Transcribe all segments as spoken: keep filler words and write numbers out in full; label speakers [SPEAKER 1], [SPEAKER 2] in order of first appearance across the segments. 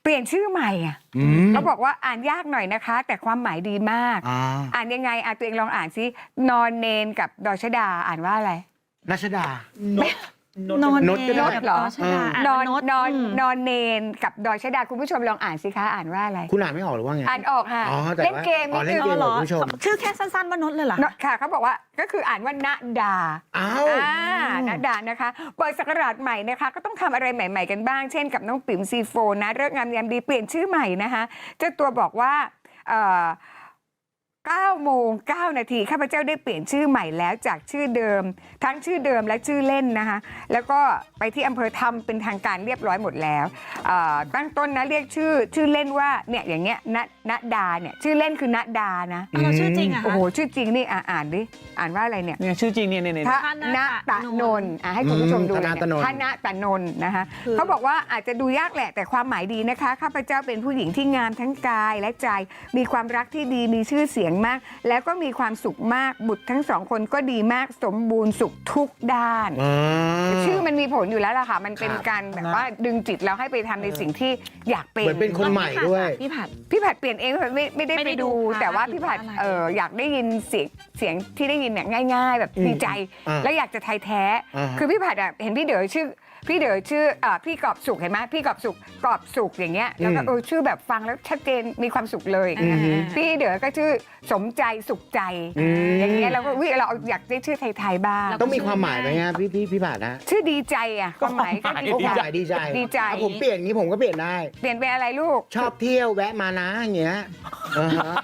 [SPEAKER 1] เปลี่ยนชื่อใหม่อ่ะเขาบอกว่าอ่านยากหน่อยนะคะ แต่ความหมายดีมาก อ่าอ่านยังไงอ่ะตัวเองลองอ่านซินอนเนนกับดอชดาอ่านว่าอะไร
[SPEAKER 2] รัชดา
[SPEAKER 1] นอน
[SPEAKER 2] นน
[SPEAKER 1] นนเหรอ
[SPEAKER 3] เออน
[SPEAKER 1] อนนอนนอนเนนกับดอยชดาคุณผู้ชมลองอ่านสิคะอ่านว่าอะไร
[SPEAKER 2] คุณอ่านไม่ออกหรือว่าไง
[SPEAKER 1] อ่านออกค่ะ
[SPEAKER 2] อ๋อแต่
[SPEAKER 1] เล่น
[SPEAKER 2] ว่า
[SPEAKER 1] เกม
[SPEAKER 2] อ๋อเล่
[SPEAKER 1] นิ
[SPEAKER 2] น
[SPEAKER 1] ด
[SPEAKER 2] เก
[SPEAKER 1] นึ
[SPEAKER 2] ม
[SPEAKER 1] ง
[SPEAKER 2] เหรอคุณผู้ชม
[SPEAKER 3] ชื่อแค่สั้นๆว่านดเลยเหรอ
[SPEAKER 1] ค่ะเขาบอกว่าก็คืออ่านว่าณดา
[SPEAKER 2] อ้าว
[SPEAKER 1] อ่าณดานะคะเปิดศักราชใหม่นะคะก็ต้องทำอะไรใหม่ ๆกันบ้างเช่นกับน้องปิ๋มซีโฟนะเลิกงามยามดีเปลี่ยนชื่อใหม่นะคะเจ้าตัวบอกว่าเอ่อเก้าโมงเก้านาทีข้าพเจ้าได้เปลี่ยนชื่อใหม่แล้วจากชื่อเดิมทั้งชื่อเดิมและชื่อเล่นนะคะแล้วก็ไปที่อำเภอทำเป็นทางการเรียบร้อยหมดแล้วตั้งต้นนะเรียกชื่อชื่อเล่นว่าเนี่ยอย่างเงี้ยณณดาเนี่ยชื่อเล่นคือณดานะ
[SPEAKER 3] เราชื่อจริงอะ
[SPEAKER 1] โอ้โหชื่อจริงนี่อ่าอ่านดิอ่านว่าอะไรเนี่ย
[SPEAKER 4] เนี่ยชื่อจริงเนี่ยเนี่ย
[SPEAKER 1] ธนตะนนท์อ่ะให้คุณผู้ชมดู
[SPEAKER 2] ธนตะนนท์
[SPEAKER 1] ธนตะนนท์นะคะเขาบอกว่าอาจจะดูยากแหละแต่ความหมายดีนะคะข้าพเจ้าเป็นผู้หญิงที่งามทั้งกายและใจมีความรักที่ดีมีชื่อเสียงมากแล้วก็มีความสุขมากบุตรทั้งสองคนก็ดีมากสมบูรณ์สุขทุกด้าน ชื่อมันมีผลอยู่แล้วล่ะค่ะมันเป็นการแบบว่าดึงจิตเราให้ไปทำในสิ่งที่อยากเป็น
[SPEAKER 2] เหมือนเป็นคนใหม่ด้วย
[SPEAKER 3] พี่ผัด
[SPEAKER 1] พี่ผัดเปลี่ยนเองไม่ไม่ได้
[SPEAKER 3] ไม่
[SPEAKER 1] ไป
[SPEAKER 3] ได้ดู
[SPEAKER 1] ดู
[SPEAKER 3] ค่ะ
[SPEAKER 1] แต่ว่าพี่ผัด
[SPEAKER 3] หรือว่าอะไร
[SPEAKER 1] เอออยากได้ยินเสียงเสียงที่ได้ยินเนี่ยง่าย ๆ แบบ
[SPEAKER 2] อืม
[SPEAKER 1] ดีใจ
[SPEAKER 2] อ่า
[SPEAKER 1] แล้วอยากจะไทยแท้
[SPEAKER 2] อ่าฮะ
[SPEAKER 1] คือพี่ผัดอ่ะเห็นพี่เด๋อชื่อพี่เด๋อชื่ออ่าพี่กอบสุขเห็นไหมพี่กอบสุขกอบสุขอย่างเงี้ยแล้วก็เออชื่อแบบฟังแล้วชัดเจนมีความสุขเลยอย่างเงี้ย
[SPEAKER 2] อืม
[SPEAKER 1] พี่เด๋อก็ชื่อสมใจสุขใจ
[SPEAKER 2] อืม
[SPEAKER 1] อย่างเงี้ยเราก็วิเราอยากได้ชื่อไทยๆบ้าง
[SPEAKER 2] ต้องมีความหมายไหมฮะพี่พี่พี่บาทนะ
[SPEAKER 1] ชื่อดีใจอ่ะความหมายก็ดี
[SPEAKER 2] โอ้ดีใจ
[SPEAKER 1] ใจ
[SPEAKER 2] ดีใจ
[SPEAKER 1] ดีใจ
[SPEAKER 2] อ่ะผมเปลี่ยนอย่างนี้ผมก็เปลี่ยนได้
[SPEAKER 1] เปลี่ยนเป็นอะไรลูก
[SPEAKER 2] ชอบเที่ยวแวะมานะอย่างเงี้ยอ่าฮะ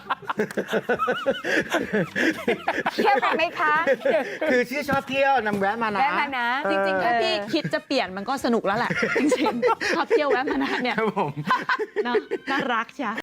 [SPEAKER 1] เที่ยวกันไหมคะ
[SPEAKER 2] คือชื่อชอบเที่ยวนำแวะมานะ
[SPEAKER 1] แวะมานะ
[SPEAKER 3] จริงๆ ถ้าพี่คิดจะเปลี่ยนมันก็สนุกแล้วแหละ จริงๆชอบเที่ยวแวะมานะเนี่ย
[SPEAKER 2] ครับผม
[SPEAKER 3] เนอะน่ารักใช่